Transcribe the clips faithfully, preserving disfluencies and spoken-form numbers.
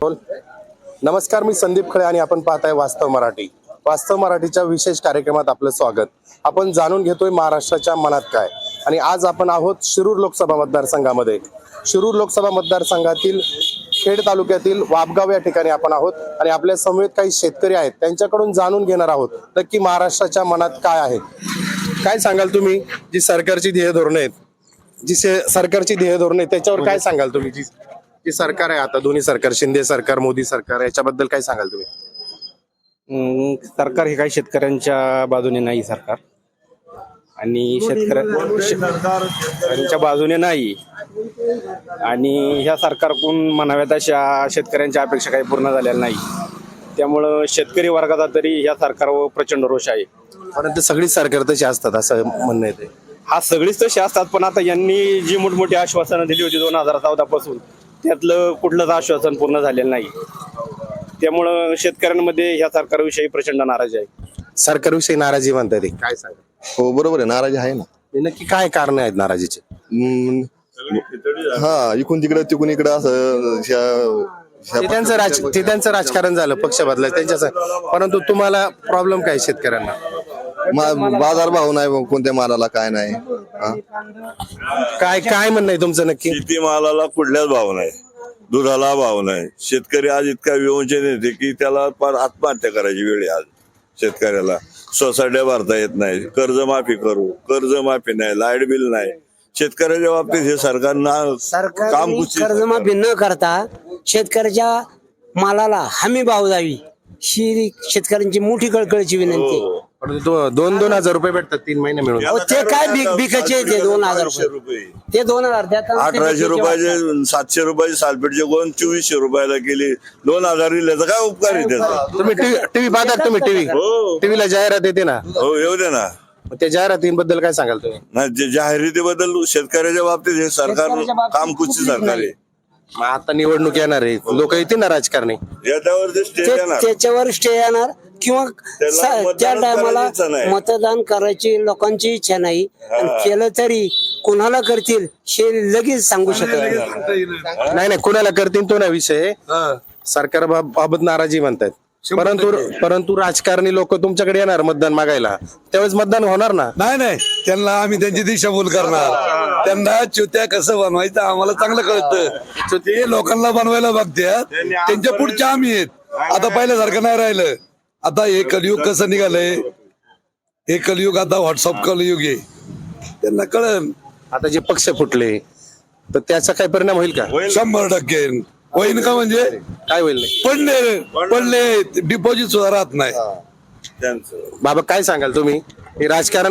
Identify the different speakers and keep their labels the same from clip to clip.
Speaker 1: बोल. नमस्कार, मी संदीप खळे आणि आपण पाहताय वास्तव मराठी. वास्तव मराठीच्या विशेष कार्यक्रमात आपलं स्वागत. आपण जाणून घेतोय महाराष्ट्राच्या मनात काय, आणि आज आपण आहोत शिरूर लोकसभा मतदारसंघामध्ये. शिरूर लोकसभा मतदारसंघातील खेड तालुक्यातील वाबगाव या ठिकाणी आपण आहोत आणि आपल्या समवेत काही शेतकरी आहेत, त्यांच्याकडून जाणून घेणार आहोत नक्की महाराष्ट्राच्या मनात काय आहे. काय सांगाल तुम्ही, जी सरकारची ध्येय धोरणे आहेत, जी सरकारची ध्येय धोरणे त्याच्यावर काय सांगाल तुम्ही? जी जी सरकार आहे आता, दोन्ही सरकार, शिंदे सरकार, मोदी सरकार, याच्याबद्दल काय सांगाल तुम्ही?
Speaker 2: अं, सरकार हे काही शेतकऱ्यांच्या बाजूने नाही सरकार, आणि शेतकऱ्यांच्या बाजूने नाही, आणि ह्या सरकारकडून म्हणाव्यात अशा शेतकऱ्यांच्या अपेक्षा काही पूर्ण झालेल्या नाही. त्यामुळं शेतकरी वर्गाचा तरी ह्या सरकारवर प्रचंड रोष आहे.
Speaker 1: परंतु सगळी सरकार तशी असतात असं म्हणणं येते.
Speaker 2: हा सगळीच तशी असतात, पण आता यांनी जी मोठमोठी आश्वासनं दिली होती दोन हजार चौदा पासून, त्यातलं कुठलंच आश्वासन पूर्ण झालेलं नाही. त्यामुळं शेतकऱ्यांमध्ये ह्या सरकारविषयी प्रचंड नाराजी आहे.
Speaker 1: सरकारविषयी नाराजी म्हणतात ते काय सांगा?
Speaker 3: हो बरोबर आहे, नाराजी आहे ना.
Speaker 1: नक्की काय कारण आहेत नाराजीचे?
Speaker 3: हम्म, हा इकडून तिकडं तिकडून इकडं असं ह्या- ह्या-
Speaker 1: ते त्यांचं राज ते त्यांचं राजकारण झालं, पक्ष बदलायचं त्यांच्याच. परंतु तुम्हाला प्रॉब्लेम काय शेतकऱ्यांना?
Speaker 3: मा- बाजार भाव नाही कोणत्या मालाला, काय नाही. हा?
Speaker 1: काय काय म्हणणं आहे तुमचं नक्की?
Speaker 4: शेतीमालाला कुठल्याच भाव नाही, दुधाला भाव नाही. शेतकरी आज इतका विवंचन येते की त्याला फार आत्महत्या करायची वेळ आहे आज शेतकऱ्याला. सोसायट्या भरता येत नाही, कर्जमाफी करू, कर्जमाफी नाही, लाईट बिल नाही. शेतकऱ्याच्या बाबतीत हे सरकार ना काम कुठची
Speaker 5: कर्जमाफी न करता शेतकऱ्याच्या मालाला हमी भाव द्यावी, ही शेतकऱ्यांची मोठी कळकळीची विनंती आहे.
Speaker 1: परंतु दो- दोन दोन हजार रुपये भेटतात तीन महिने मिळून.
Speaker 5: अहो, ते काय बिक बिकाचे ते दोन हजार
Speaker 4: अठराशे
Speaker 5: रुपये
Speaker 4: रुपये
Speaker 5: ते दोन हजार द्यात.
Speaker 4: अठराशे रुपयाचे सातशे रुपयाचे सालपेटचे गोन चोवीसशे रुपयाला केली. दोन हजार दिल्याचा काय उपकार आहे त्याचा?
Speaker 1: तुम्ही टीव्ही पाहतात, तुम्ही टीव्ही
Speaker 4: हो
Speaker 1: टीव्हीला जाहिरात येते ना,
Speaker 4: हो येऊ दे ना.
Speaker 1: मग त्या जाहिरातींबद्दल काय सांगाल तुम्ही?
Speaker 4: नाही, जे जाहिरातीबद्दल शेतकऱ्याच्या बाबतीत हे सरकार काम कुठची सरकार आहे.
Speaker 1: मग आता निवडणूक येणार आहे, लोक येतील ना राजकारणी.
Speaker 4: याच्यावरती स्टेज येणार.
Speaker 5: त्याच्यावर स्टे येणार किंवा स-
Speaker 4: मतदान
Speaker 5: त्या टायमाला
Speaker 4: करायची इच्छा नाही.
Speaker 5: मतदान करायची लोकांची इच्छा नाही, आणि केलं तरी कोणाला करतील हे लगेच सांगू शकत नाही.
Speaker 1: नाही नाही, कुणाला करतील तो ना विषय. सरकार बा- बाबत नाराजी म्हणतात, परंतु परंतु राजकारणी लोक तुमच्याकडे येणार मतदान मागायला, त्यावेळेस मतदान होणार ना.
Speaker 6: नाही नाही, त्यांना आम्ही त्यांची दिशाभूल करणार. त्यांना चुत्या कसं बनवायचं आम्हाला चांगलं कळतं. ते लोकांना बनवायला बघतात, त्यांच्या पुढच्या आम्ही आहेत. आता पहिल्यासारखं नाही राहिलं. आता हे कलियुग कसं निघालंय, हे कलियुग आता व्हॉट्सअप कलियुग आहे. त्यांना कळन
Speaker 1: आता जे पक्ष फुटले तर त्याचा काय परिणाम होईल का?
Speaker 6: शंभर टक्के होईन का? म्हणजे
Speaker 1: काय होईल नाही?
Speaker 6: पडले पडले डिपॉझिट सुद्धा राहत नाही.
Speaker 4: त्यांचं
Speaker 1: बाबा काय सांगाल तुम्ही? हे राजकारण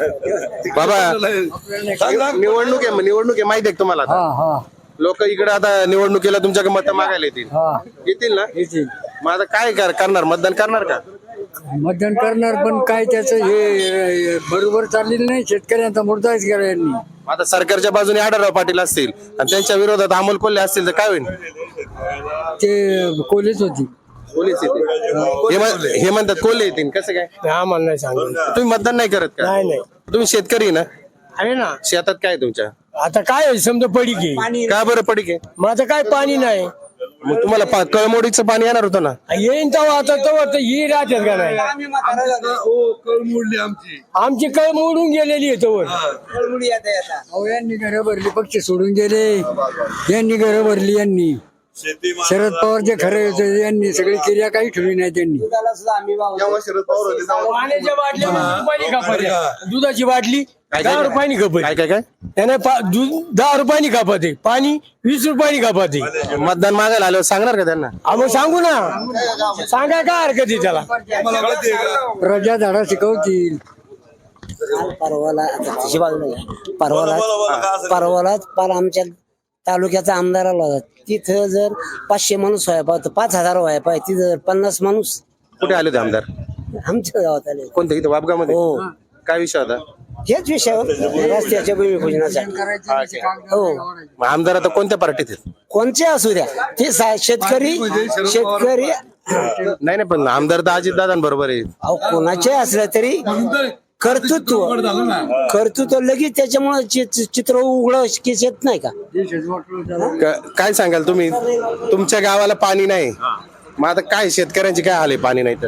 Speaker 1: बाबा, निवडणूक आहे, निवडणूक आहे माहिती आहे का तुम्हाला? लोक इकडे आता निवडणुकीला तुमच्याकडे मत मागायला येतील येतील ना. मग आता काय कर- करणार? मतदान करणार का?
Speaker 7: मतदान करणार, पण काय त्याचं हे बरोबर चाललेलं नाही. शेतकऱ्यांचा मुर्दाच केला यांनी.
Speaker 1: आता सरकारच्या बाजूने आढळराव पाटील असतील आणि त्यांच्या विरोधात अमोल कोल्हे असतील तर काय होईल?
Speaker 7: ते कोलीच होती.
Speaker 1: पोलीस येतील, हे म्हण- हे म्हणतात कोल्हे येतील. कसं काय?
Speaker 7: आम्हाला नाही सांगितलं.
Speaker 1: तुम्ही मतदान नाही करत का?
Speaker 7: नाही नाही
Speaker 1: तुम्ही शेतकरी ना?
Speaker 7: आहे ना.
Speaker 1: शेतात काय आहे तुमच्या?
Speaker 7: आता काय आहे, समजा पडी घे.
Speaker 1: का बरं पडीक आहे?
Speaker 7: मग आता काय पाणी नाही.
Speaker 1: मग तुम्हाला पा- कळमोडीचं पाणी येणार होतं ना.
Speaker 7: येईन तेव्हा. आता तेव्हा तर ही राहतात का नाही.
Speaker 6: मोडली आमची.
Speaker 7: आमची कळ मोडून गेलेली आहे तेव्हा. अहो, यांनी घरं भरली, पक्ष सोडून गेले. यांनी घरं भरली. यांनी
Speaker 4: शेती
Speaker 7: शरद पवार जे खरं होते यांनी सगळी क्रिया काही ठेवली नाही. त्यांनी पाण्याच्या बाटल्या वीस रुपयानी खपात्या. दुधाची बाटली दहा रुपयानी खपत.
Speaker 1: काय काय काय
Speaker 7: त्याने पा- दूध दहा रुपयानी खपत आहे, पाणी वीस रुपयानी खपत आहे.
Speaker 1: मतदान मागायला आल्यावर सांगणार का त्यांना?
Speaker 7: आम्ही सांगू ना, सांगा काय हरकत आहे त्याला. प्रजा धडा शिकवतील.
Speaker 5: परवाला आता तशी बाजू नाही. परवाला परवालाच पार आमच्या तालुक्याचा आमदार आला होता. तिथं जर पाचशे माणूस व्हाय पाहिजे, पाच हजार व्हाय पाहिजे, तिथं जर पन्नास माणूस
Speaker 1: कुठे आले होते आमदार?
Speaker 5: आमच्या गावात आले.
Speaker 1: कोणते? इथे वाबगावमध्ये?
Speaker 5: हो.
Speaker 1: काय विषय होता?
Speaker 5: हेच विषयावर रस्त्याच्या भूमिपूजनासाठी. हो.
Speaker 1: मग आमदार आता कोणत्या पार्टीत आहेत?
Speaker 5: कोणचे असू द्या, ते सा- शेतकरी शेतकरी
Speaker 1: नाही नाही, पण आमदार तर अजित दादांबरोबर आहे.
Speaker 5: अहो कोणाचे असले तरी कर्तृत्व कर्तृत्व लगेच त्याच्यामुळे चि- चित्र उघड केस येत नाही का?
Speaker 1: क- काय सांगाल तुम्ही? तुमच्या गावाला पाणी नाही, मग आता काय शेतकऱ्यांची काय हाल आहे पाणी नाही तर?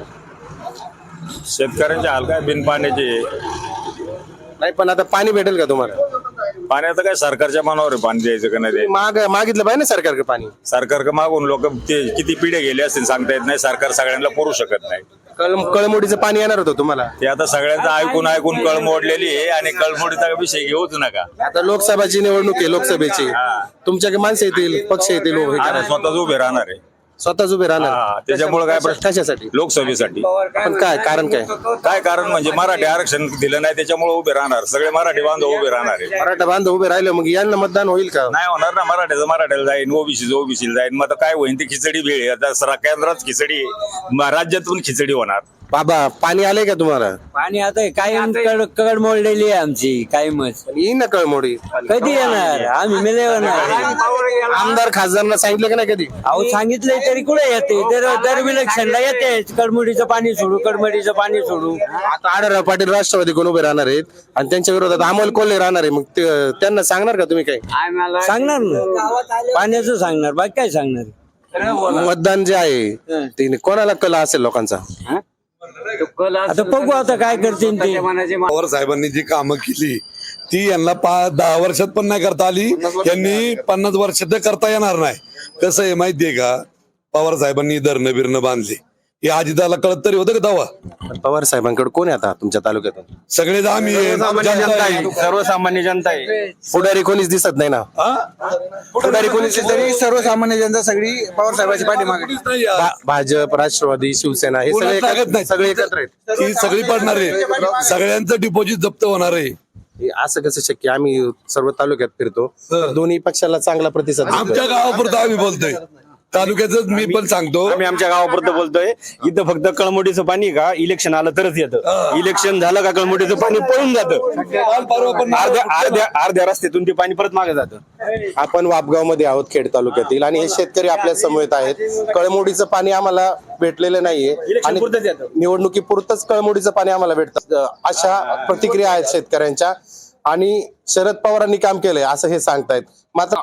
Speaker 8: शेतकऱ्यांचे हाल काय बिन पाण्याचे.
Speaker 1: नाही पण आता पाणी भेटेल का तुम्हाला?
Speaker 8: पाण्याचं काय सरकारच्या मनावर आहे पाणी द्यायचं का नाही द्यायचं.
Speaker 1: माग मागितलं पाहिजे ना सरकारकडे पाणी.
Speaker 8: सरकार मागून लोक ते किती पिढ्या गेले असतील सांगता येत नाही. सरकार सगळ्यांना पुरू शकत नाही.
Speaker 1: कळ कळमुडीचं पाणी येणार होतं तुम्हाला.
Speaker 8: ते आता सगळ्यांचं ऐकून ऐकून कळ मोडलेली आहे आणि कळमोडीचा विषय घेऊच नका.
Speaker 1: आता लोकसभाची निवडणूक आहे, लोकसभेची तुमच्याकडे माणसं येतील, पक्ष येतील, उभे
Speaker 8: आणि
Speaker 1: करायला.
Speaker 8: स्वतःच उभे राहणार आहे.
Speaker 1: स्वतःच उभे
Speaker 8: हा,
Speaker 1: राहणार.
Speaker 8: त्याच्यामुळे काय प्रश्न
Speaker 1: कशासाठी?
Speaker 8: लोकसभेसाठी.
Speaker 1: पण काय कारण काय?
Speaker 8: काय कारण म्हणजे मराठी आरक्षण दिलं नाही त्याच्यामुळे उभे राहणार. सगळे मराठी बांधव उभे राहणार आहे.
Speaker 1: मराठा बांधव उभे राहिले मग यांना मतदान होईल का?
Speaker 8: नाही होणार ना. मराठ्याचं मराठ्याला जाईन, ओबीसीचं ओबीसीला जाईन. मग आता काय होईल ती खिचडी भेळ आहे. आता सरा- केंद्रात खिचडी आहे, म- राज्यातून खिचडी होणार.
Speaker 1: बाबा पाणी आलंय का तुम्हाला?
Speaker 5: पाणी आता कायम कड कड मोडलेली आहे आमची कायमच.
Speaker 1: येईन ना कळमोडी.
Speaker 5: कधी येणार? आम्ही मिले
Speaker 1: आमदार खासदारांना सांगितलं का नाही कधी?
Speaker 5: अहो सांगितलंय तरी कुठे येते? दर दर इलेक्शनला येते कडमुडीचं पाणी सोडू, कडमुडीचं पाणी सोडू.
Speaker 1: आता आढळराव पाटील राष्ट्रवादी कोण उभे राहणार आहेत आणि त्यांच्या विरोधात अमोल कोल्हे राहणार आहे. मग ते- त्यांना सांगणार का तुम्ही काय?
Speaker 5: सांगणार ना, पाण्याचं सांगणार, बाकी काय सांगणार?
Speaker 1: मतदान जे आहे ते कोणाला कला असेल लोकांचा?
Speaker 5: आता बघू आता काय करतील ते.
Speaker 6: पवार साहेबांनी जी कामं केली ती यांना पाच दहा वर्षात पण नाही करता आली. यांनी पन्नास वर्षात करता येणार नाही. कसं आहे माहितीये का? पवार साहेबांनी धरणं बिरणं बांधली. हे आधी त्याला कळत तरी होतं का तेव्हा?
Speaker 1: पण पवार साहेबांकडे कोण आहे आता तुमच्या तालुक्यातून?
Speaker 6: सगळेच आम्ही आहे, जनता आहे.
Speaker 2: सर्वसामान्य जनता आहे.
Speaker 1: पुढारी कोणीच दिसत नाही ना. पुढारी कोणीच
Speaker 7: तरी सर्वसामान्य जनता सगळी पवार साहेबांची पाठीमागे.
Speaker 6: कोणीच नाही आहे.
Speaker 1: भा- भाजप, राष्ट्रवादी, शिवसेना हे सगळे
Speaker 6: कोणाला लागत
Speaker 1: एकत्र-
Speaker 6: नाही.
Speaker 1: सगळे एकत्र आहेत.
Speaker 6: ती सगळी पडणार आहे. सगळ्यांचं डिपॉझिट जप्त होणार आहे.
Speaker 1: हे असं कसं शक्य? आम्ही सर्व तालुक्यात फिरतो, तर दोन्ही पक्षाला चांगला प्रतिसाद
Speaker 6: आमच्या
Speaker 1: दिसतोय.
Speaker 6: गावापुरतं आम्ही बोलतोय. तालुक्याच मी पण सांगतो.
Speaker 2: आम्ही आमच्या गावापुरतं बोलतोय. इथं फक्त कळमोडीचं पाणी का इलेक्शन आलं तरच येतं. इलेक्शन झालं का कळमोडीचं पाणी पळून जातं.
Speaker 6: काल परवा पण
Speaker 2: अर्ध्या अर्ध्या अर्ध्या रस्त्यातून ते पाणी परत मागे जातं.
Speaker 1: आपण वापगाव मध्ये आहोत, खेड तालुक्यातील, आणि हे शेतकरी आपल्या समवेत आहेत. कळमोडीचं पाणी आम्हाला भेटलेलं नाहीये आणि
Speaker 2: पुरतंच येतं.
Speaker 1: निवडणुकीपुरतच कळमोडीचं पाणी आम्हाला भेटतं, अशा प्रतिक्रिया आहेत शेतकऱ्यांच्या. आणि शरद पवारांनी काम केलंय असं हे सांगतायत. मात्र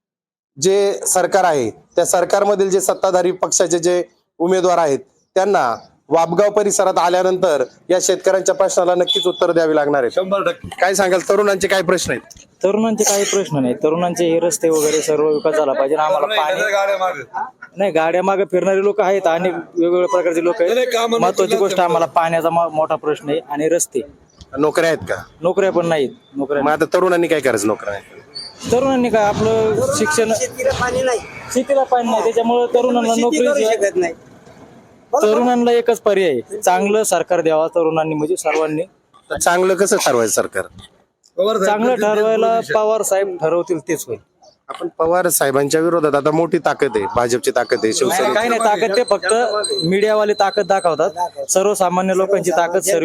Speaker 1: जे सरकार आहे त्या सरकारमधील जे सत्ताधारी पक्षाचे जे उमेदवार आहेत त्यांना वापगाव परिसरात आल्यानंतर या शेतकऱ्यांच्या प्रश्नाला नक्कीच उत्तर द्यावी लागणार आहे.
Speaker 6: शंभर टक्के
Speaker 1: काय सांगाल? तरुणांचे काय प्रश्न आहेत?
Speaker 9: तरुणांचे काही प्रश्न नाही. तरुणांचे हे रस्ते वगैरे सर्व विकास झाला पाहिजे. आम्हाला पाणी
Speaker 6: गाड्या मागे.
Speaker 9: नाही, गाड्या मागे फिरणारे लोक आहेत आणि वेगवेगळ्या प्रकारचे लोक
Speaker 6: नाही,
Speaker 9: आहेत.
Speaker 6: कामं
Speaker 9: महत्वाची
Speaker 6: नसतील
Speaker 9: गोष्ट
Speaker 6: तर
Speaker 9: आम्हाला पाण्याचा म- मोठा प्रश्न आहे आणि रस्ते.
Speaker 1: नोकऱ्या आहेत का?
Speaker 9: नोकऱ्या पण नाहीत. नोकऱ्या
Speaker 1: मग आता तरुणांनी काय करायचं? नोकऱ्या नाही.
Speaker 9: तरुणांनी काय आपलं शिक्षण,
Speaker 5: पाणी नाही,
Speaker 9: शेतीला पाणी नाही, त्याच्यामुळे तरुणांना नोकरी.
Speaker 5: शकत नाही.
Speaker 9: तरुणांना एकच पर्याय आहे, चांगलं सरकार द्यावा तरुणांनी, म्हणजे सर्वांनी.
Speaker 1: तर चांगलं कसं ठरवायचं सरकार?
Speaker 9: चांगलं ठरवायला पवार साहेब ठरवतील तेच होईल.
Speaker 1: आपण पवार साहेबांच्या विरोधात आता मोठी ताकद आहे, भाजपची ताकद आहे,
Speaker 9: नाही,
Speaker 1: शिवसेना.
Speaker 9: काही नाही ताकद, ते फक्त मीडियावाले ताकद दाखवतात. सर्वसामान्य लोकांची ताकद सर्व.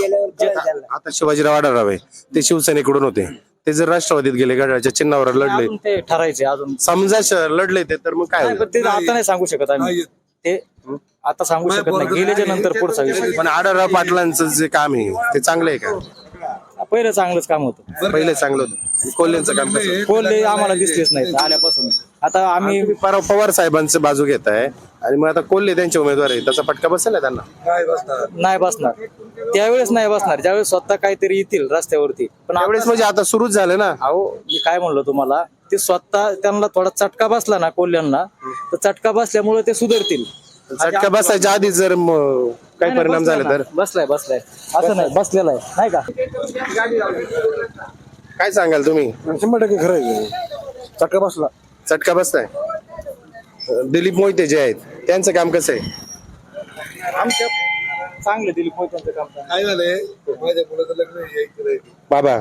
Speaker 1: आता शिवाजीराव आढळराव आहे, ते शिवसेनेकडून होते. ते जर राष्ट्रवादीत गेले, घड्याळच्या चिन्हावर लढले,
Speaker 9: अजून ते ठरायचे अजून.
Speaker 1: समजा श- लढले ते, तर मग काय
Speaker 9: नाही,
Speaker 1: होईल?
Speaker 9: पण ते आता नाही सांगू शकत आम्ही. ते आता सांगू शकत नाही, गेल्याच्या नंतर पुढचा विषय.
Speaker 1: पण आढळराव पाटलांचं जे काम आहे ते चांगलं आहे का?
Speaker 9: पहिलं चांगलंच काम होतं.
Speaker 1: पहिले चांगलं होतं. कोल्हेंचं काम कसं?
Speaker 9: कोल्हे आम्हाला दिसलेच नाही आल्यापासून. आता आम्ही
Speaker 1: तुम्ही पवार पवार साहेबांचं बाजू घेत आहे आणि मग आता कोल्हे त्यांचे उमेदवार आहे, त्याचा फटका बसेल ना त्यांना?
Speaker 9: नाही बसणार, त्यावेळेस नाही बसणार ज्यावेळेस स्वतः काहीतरी येतील रस्त्यावरती. पण
Speaker 1: त्यावेळेस म्हणजे आता सुरूच झालं ना.
Speaker 9: अहो मी काय म्हणलो तुम्हाला, ते स्वतः त्यांना थोडा चटका बसला ना कोल्ह्यांना, तर चटका बसल्यामुळे ते सुधारतील.
Speaker 1: झटका बसायच्या आधी जर म- काही
Speaker 9: नाही,
Speaker 1: परिणाम
Speaker 9: बसलाय
Speaker 1: झाले
Speaker 9: ना,
Speaker 1: तर?
Speaker 9: बसलाय बसलाय असं नाही, बसलेला आहे नाही का?
Speaker 1: काय सांगाल तुम्ही?
Speaker 7: शंभर टक्के खरं आहे. चटका बसला.
Speaker 1: चटका बसताय? दिलीप मोहिते जे आहेत त्यांचं काम कसं आहे?
Speaker 9: आमच्या चांगलं दिलीप मोहित्यांचं काम चांगलं.
Speaker 6: काय झालंय माझ्या मुलाचं लग्न आहे.
Speaker 1: बाबा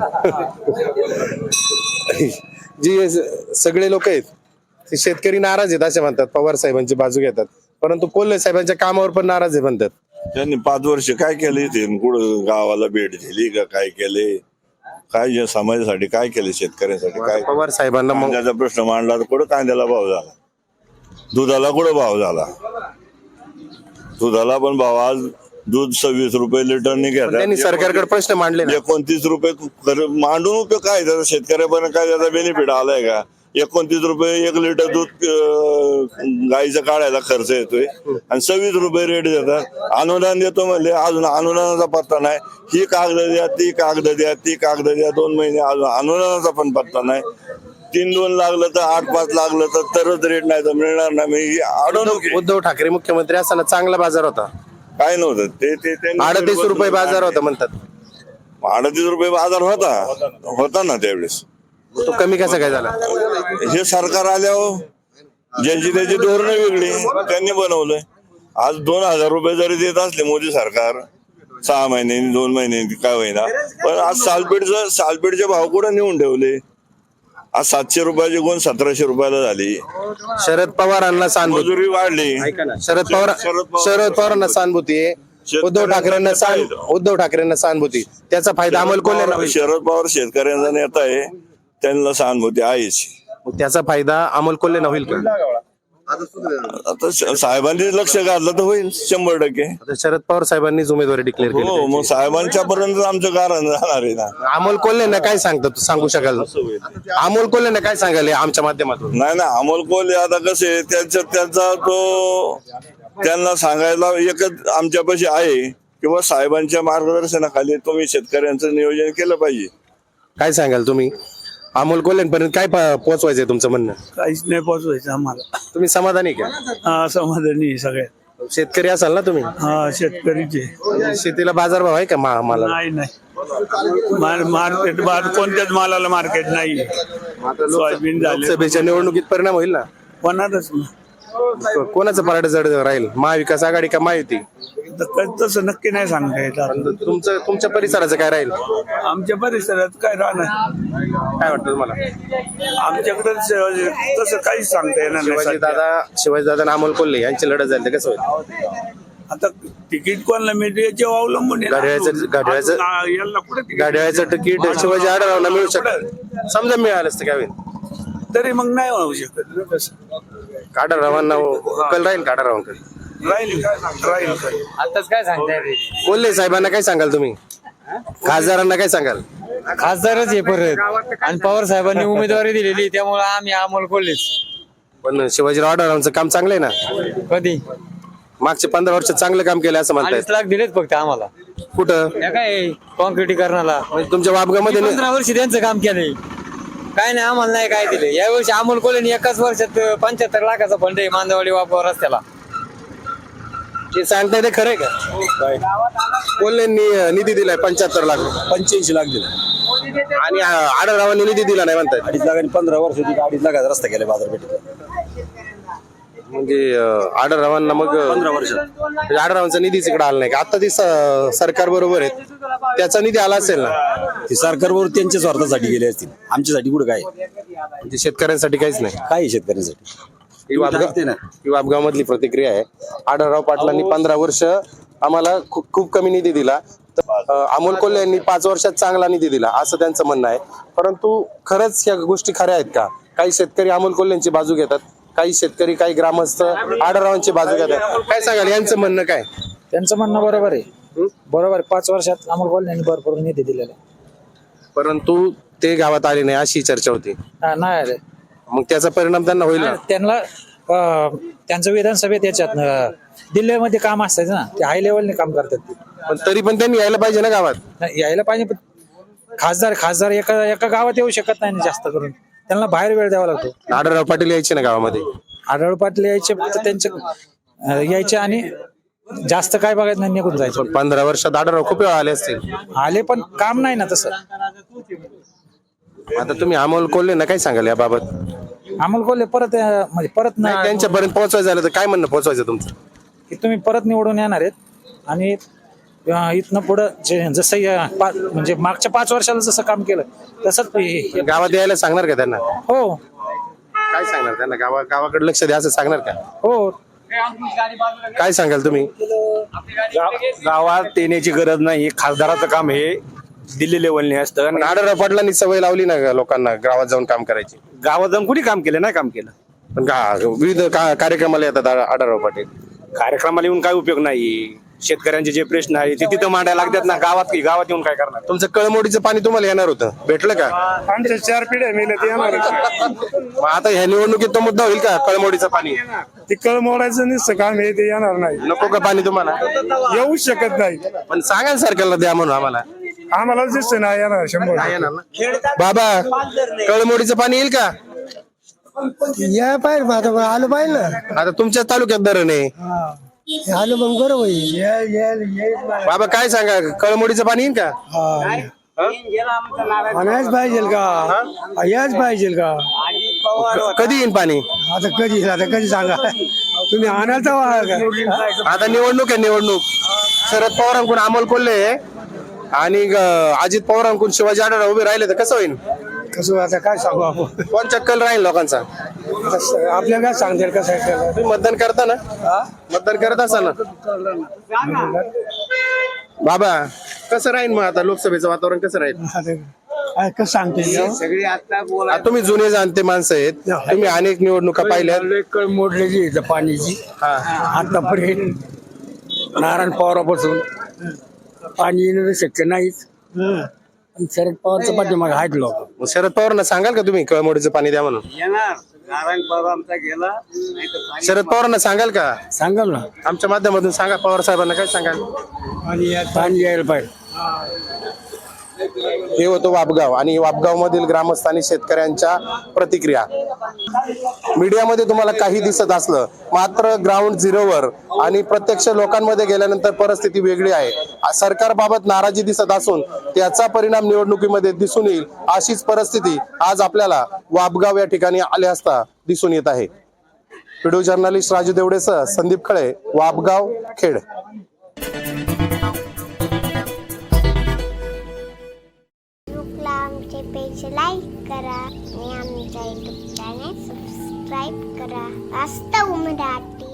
Speaker 1: जी स- सगळे लोक आहेत ते शेतकरी नाराज आहेत असे म्हणतात, पवार साहेबांची बाजू घेतात, परंतु कोल्हे साहेबांच्या कामावर पण नाराज आहे म्हणतात.
Speaker 4: त्यांनी पाच वर्ष काय केले ते कुठं गावाला भेट दिली का काय केले? काय या समाजासाठी काय केले? शेतकऱ्यांसाठी काय?
Speaker 1: पवार साहेबांना मग
Speaker 4: कांद्याचा प्रश्न मांडला तर कुठं कांद्याला भाव झाला? दुधाला कुठं भाव झाला? दुधाला पण भाव आज दूध सव्वीस रुपये लिटरने
Speaker 1: पण त्यांनी
Speaker 4: घेतात.
Speaker 1: सरकारकडे प्रश्न मांडले ना.
Speaker 4: एकोणतीस रुपये कर- मांडून उपयोग काय त्याचा शेतकऱ्यापर्यंत काय त्याचा बेनिफिट आलाय का? एकोणतीस रुपये एक लिटर दूध अं, गाईचा काढायला खर्च येतोय आणि सव्वीस रुपये रेट देतात. अनुदान देतो म्हणले, अजून अनुदानाचा पत्ता नाही. ही कागद द्या, ती कागद द्या, ती कागद द्या, दोन महिने अजून अनुदानाचा पण पत्ता नाही. तीन दोन लागलं तर आठ पाच लागलं तर तरच रेट नाही तर मिळणार नाही. मग ही अडवणूक आहे.
Speaker 1: उद्धव ठाकरे मुख्यमंत्री असताना चांगला बाजार होता.
Speaker 4: काय नव्हतं ते ते त्यांनी-
Speaker 1: अडतीस रुपये बाजार होता म्हणतात.
Speaker 4: अडतीस रुपये बाजार होता होता ना त्यावेळेस.
Speaker 1: तो कमी कसा काय झाला?
Speaker 4: हे सरकार आल्यावर ज्यांची त्याची धोरणं वेगळी त्यांनी बनवलंय. आज दोन हजार रुपये जरी देत असले मोदी सरकार सहा महिन्यांनी दोन महिन्यांनी काय होईना, पण आज सालपेठचं सालपेठचे भाव कुठे नेऊन ठेवले? आज सातशे रुपयाची गुण सतराशे रुपयाला झाली.
Speaker 1: शरद पवारांना सहानुभूती.
Speaker 4: मजुरी वाढली.
Speaker 1: शरद पवार शरद पवारांना सहानुभूती आहे. उद्धव ठाकरेंना सहान- उद्धव ठाकरेंना सहानुभूती. त्याचा फायदा अमोल कोल्हेंना होईल.
Speaker 4: शरद पवार शेतकऱ्यांचा नेता आहे, त्यांना सहानुभूती आहेच.
Speaker 1: मग त्याचा फायदा अमोल कोल्हेंना होईल का?
Speaker 4: आता श- साहेबांनी लक्ष घातलं तर होईल शंभर टक्के.
Speaker 1: आता शरद पवार साहेबांनीच उमेदवारी डिक्लेअर केली.
Speaker 4: हो, मग साहेबांच्या पर्यंत आमचं कारण जाणार आहे ना.
Speaker 1: अमोल कोल्हेंना काय सांगता तू सांगू शकाल? अमोल कोल्हेंना काय सांगाल या आमच्या माध्यमातून?
Speaker 4: नाही ना, अमोल कोल्हे आता कसे त्यांच्या त्यांचा तो त्यांना सांगायला एकच आमच्यापाशी आहे किंवा साहेबांच्या मार्गदर्शनाखाली तुम्ही शेतकऱ्यांचं नियोजन केलं पाहिजे.
Speaker 1: काय सांगाल तुम्ही? अमोल कोल्हेंपर्यंत काय प- पोहोचवायचंय तुमचं म्हणणं?
Speaker 7: काहीच नाही पोचवायचं आम्हाला.
Speaker 1: तुम्ही समाधानी का?
Speaker 7: हा, समाधानी सगळ्यात.
Speaker 1: शेतकरी असाल ना तुम्ही?
Speaker 7: हा, शेतकरीचे
Speaker 1: म्हणजे शेतीला बाजारभाव आहे का मा- मला?
Speaker 7: नाही नाही मार- मार्केट बाद कोणत्याच मालाला मार्केट नाही. सोयाबीन झाले
Speaker 1: लोकसभेच्या निवडणुकीत परिणाम होईल ना?
Speaker 7: होणारच ना.
Speaker 1: को- कोणाचं पराठ जड राहील? महाविकास आघाडी का महायुती?
Speaker 7: तर क- तसं नक्की नाही सांगता येत आता.
Speaker 1: तुमचं तुमच्या परिसराचं काय राहील?
Speaker 7: आमच्या परिसरात काय राहणार
Speaker 1: काय वाटतं तुम्हाला?
Speaker 7: आमच्याकडे तसं काहीच सांगता येणार नाही
Speaker 1: शिवाजी
Speaker 7: सध्या.
Speaker 1: दादा शिवाजी दादा आणि अमोल कोल्हे यांची लढत झाली तर कसं होईल?
Speaker 7: आता तिकीट कोणाला मिळते याच्यावर अवलंबून आहे ना.
Speaker 1: घड्याळाचं- घड्याळाचं-
Speaker 7: आ- याला कुठे तिकीट
Speaker 1: गाड्याचं तिकीट शिवाजी आढळरावला मिळू शकतं. समजा मिळालं असतं काय होईल?
Speaker 7: तरी मग नाही होऊ शकत ना तसं.
Speaker 1: काढारावांना कल राहील काढारावांकडे.
Speaker 7: राहील काय सांग- राहील काय.
Speaker 9: आताच काय सांगताय?
Speaker 1: कोल्हे साहेबांना काय सांगाल तुम्ही? खासदारांना काय सांगाल?
Speaker 9: खासदारच आहे परत, आणि पवार साहेबांनी उमेदवारी दिलेली त्यामुळे आम्ही अमोल कोल्हेच.
Speaker 1: पण शिवाजीराव आढळरावांचं काम चांगलं आहे ना?
Speaker 9: कधी
Speaker 1: मागचे पंधरा वर्ष चांगलं काम केलं असं म्हणतायत.
Speaker 9: अडीच लाख दिलेच फक्त आम्हाला.
Speaker 1: कुठं?
Speaker 9: त्या काय कॉन्क्रिटीकरणाला
Speaker 1: म्हणजे तुमच्या वाबगामध्ये नाही-
Speaker 9: पंधरा वर्ष त्यांचं काम केलंय. काय नाही आम्हाला नाही काय दिले. यावर्षी अमोल कोल्हेनी एकाच वर्षात पंच्याहत्तर लाखाचा फंड आहे मांदवाडी वापर रस्त्याला.
Speaker 1: ते सांगताय ते खरंय का? कोल्हेंनी निधी दिलाय पंच्याहत्तर लाख
Speaker 2: पंच्याऐंशी लाख दिले
Speaker 1: आणि आढळरावांनी निधी दिला नाही म्हणतायत.
Speaker 2: अडीच लाख आणि पंधरा वर्ष अडीच लाखाचा रस्ता केला बाजारपेठेत.
Speaker 1: म्हणजे आढळरावांना मग
Speaker 2: पंधरा वर्ष
Speaker 1: म्हणजे आढळरावांचा निधीच इकडे आला नाही का? आता ती स- सरकार बरोबर आहेत, त्याचा निधी आला असेल ना?
Speaker 2: ते सरकारवर त्यांच्या स्वार्थासाठी गेले असतील, आमच्यासाठी कुठे काय
Speaker 1: म्हणजे शेतकऱ्यांसाठी काहीच नाही.
Speaker 2: काय शेतकऱ्यांसाठी.
Speaker 1: ही वाबगाव ही वाबगाव मधली प्रतिक्रिया आहे. आढळराव पाटलांनी पंधरा वर्ष आम्हाला खूप खूप कमी निधी दिला, तर अं, अमोल कोल्हे यांनी पाच वर्षात चांगला निधी दिला असं त्यांचं म्हणणं आहे. परंतु खरंच या गोष्टी खऱ्या आहेत का? काही शेतकरी अमोल कोल्हेंची बाजू घेतात, काही शेतकरी काही ग्रामस्थ आढळरावांची बाजू घेतात. काय सांगाल यांचं म्हणणं काय?
Speaker 9: त्यांचं म्हणणं बरोबर आहे. बरोबर आहे. पाच वर्षात अमोल कोल्हेंनी भरपूर निधी दिलेला आहे.
Speaker 1: परंतु ते गावात आले नाही अशी चर्चा होती.
Speaker 9: हा, नाही आले.
Speaker 1: मग त्याचा परिणाम त्यांना होईल ना?
Speaker 9: त्यांना अं, त्यांचं विधानसभेत याच्यात अं, दिल्लीमध्ये काम असायचं ना, ते हाय लेवलने काम करतात ते.
Speaker 1: पण तरी पण त्यांनी यायला पाहिजे ना गावात.
Speaker 9: नाही, यायला पाहिजे पण खासदार खासदार एका एका गावात येऊ शकत नाही ना जास्त करून. त्यांना बाहेर वेळ द्यावा लागतो.
Speaker 1: आढळराव पाटील यायचे ना गावामध्ये.
Speaker 9: आढळ पाटील यायचे फक्त त्यांचे अं, यायचे आणि जास्त काय बघायचं नाही, निघून जायचं.
Speaker 1: पण पंधरा वर्षात आढळराव खूप वेळा आले असतील.
Speaker 9: आले पण काम नाही ना तसं.
Speaker 1: आता तुम्ही अमोल कोल्हे ना काय सांगाल याबाबत?
Speaker 9: अमोल कोल्हे परत अं, म्हणजे परत
Speaker 1: नाही,
Speaker 9: ना
Speaker 1: त्यांच्यापर्यंत पोहोचवायचं झालं तर काय म्हणणं पोहोचवायचं तुमचं?
Speaker 9: की तुम्ही परत निवडून येणार आहेत आणि अं, इथनं पुढं जे जसं या पा- म्हणजे मागच्या पाच वर्षाला जसं काम केलं तसंच हे- हे-
Speaker 1: गावात यायला सांगणार का त्यांना?
Speaker 9: हो
Speaker 1: काय सांगणार त्यांना? गावा गावाकडे लक्ष द्या असं सांगणार का?
Speaker 9: हो
Speaker 1: काय सांगाल तुम्ही?
Speaker 2: गावात येण्याची गरज नाही. खासदाराचं काम हे दिल्ली लेवलने असतं.
Speaker 1: पण आढळराव पाटलांनी सवय लावली ना लोकांना गावात जाऊन काम करायची.
Speaker 2: गावात जाऊन कुणी काम केलं नाही काम केलं.
Speaker 1: पण गा- विविध का- कार्यक्रमाला येतात आ- आढळराव पाटील.
Speaker 2: कार्यक्रमाला येऊन काय उपयोग नाही. शेतकऱ्यांचे जे प्रश्न आहे ते तिथं मांडायला लागतात ना, गावात की गावात येऊन काय करणार?
Speaker 1: तुमचं कळमोडीचं पाणी तुम्हाला येणार होतं, भेटलं का?
Speaker 2: आमच्या चार पिढ्या मेल्या ते येणार
Speaker 1: मग आता ह्या निवडणुकीत तो मुद्दा होईल का, कळमोडीचं पाणी?
Speaker 2: ते कळ मोडायचं नुसतं काम आहे ते येणार नाही,
Speaker 1: नको का पाणी तुम्हाला?
Speaker 2: येऊ शकत नाही.
Speaker 1: पण सांगा ना सरकारला द्या म्हणून आम्हाला.
Speaker 2: आम्हाला दिसतं नाही येणार शंभर.
Speaker 1: नाही येणार ना. बाबा, कळमोडीचं पाणी येईल का?
Speaker 7: या पाहिजे आता आलं पाहिजे ना,
Speaker 1: आता तुमच्या तालुक्यात धरण आहे.
Speaker 7: आलं मग बरं होईल.
Speaker 1: बाबा काय सांगा, कळमोडीचं पाणी येईल का?
Speaker 7: म्हणायच पाहिजे का, याच पाहिजे का?
Speaker 1: क- कधी येईल पाणी?
Speaker 7: आता कधी आता कधी सांगा तुम्ही आणायचा का?
Speaker 1: आता निवडणूक आहे, निवडणूक. शरद पवारांकडून अमोल कोल्हे आणि अं, अजित पवारांकडून शिवाजी आढळराव उभे राहिले तर कसं होईल?
Speaker 7: कसं आता काय सांगू आपण,
Speaker 1: कोणचा कल राहील लोकांचा?
Speaker 7: कसं- आपल्याला काय सांगते कसं आहे त्याला?
Speaker 1: तुम्ही मतदान करता ना, मतदान करत असाल ना बाबा? कसं राहील मग आता लोकसभेचं वातावरण कसं राहील?
Speaker 7: आता काय कसं सांगते
Speaker 1: आता तुम्ही जुने जाणते माणसं आहेत, तुम्ही अनेक निवडणुका पाहिल्यात.
Speaker 7: मोडलेली आहे पाण्याची
Speaker 1: हा.
Speaker 7: आतापर्यंत नारायण पवारापासून पाणी येणं शक्य नाहीच. आणि शरद पवारच्या पाठीमागे आहेत लोक.
Speaker 1: मग शरद पवारांना सांगाल का तुम्ही कळमोडीचं पाणी द्या म्हणून?
Speaker 2: नारायण पवार आमचा गेला.
Speaker 1: शरद पवारांना सांगाल का?
Speaker 7: सांगाल ना,
Speaker 1: आमच्या माध्यमातून सांगा. पवार साहेबांना काय सांगाल?
Speaker 7: पाणी पाणी यायला पाहिजे.
Speaker 1: हे होतं वापगाव, आणि वापगाव मधील ग्रामस्थ आणि शेतकऱ्यांच्या प्रतिक्रिया. मीडियामध्ये तुम्हाला काही दिसत असलं, मात्र ग्राउंड झिरोवर आणि प्रत्यक्ष लोकांमध्ये गेल्यानंतर परिस्थिती वेगळी आहे. सरकारबाबत नाराजी दिसत असून त्याचा परिणाम निवडणुकीमध्ये दिसून येईल, अशीच परिस्थिती आज आपल्याला वापगाव या ठिकाणी आले असता दिसून येत आहे. व्हिडिओ जर्नलिस्ट राजू देवडेसह संदीप खळे, वापगाव, खेड.
Speaker 10: फेसबुकला आमचे पेज लाईक करा आणि आमच्या युट्यूब चॅनेल सबस्क्राईब करा. वास्तव मराठी.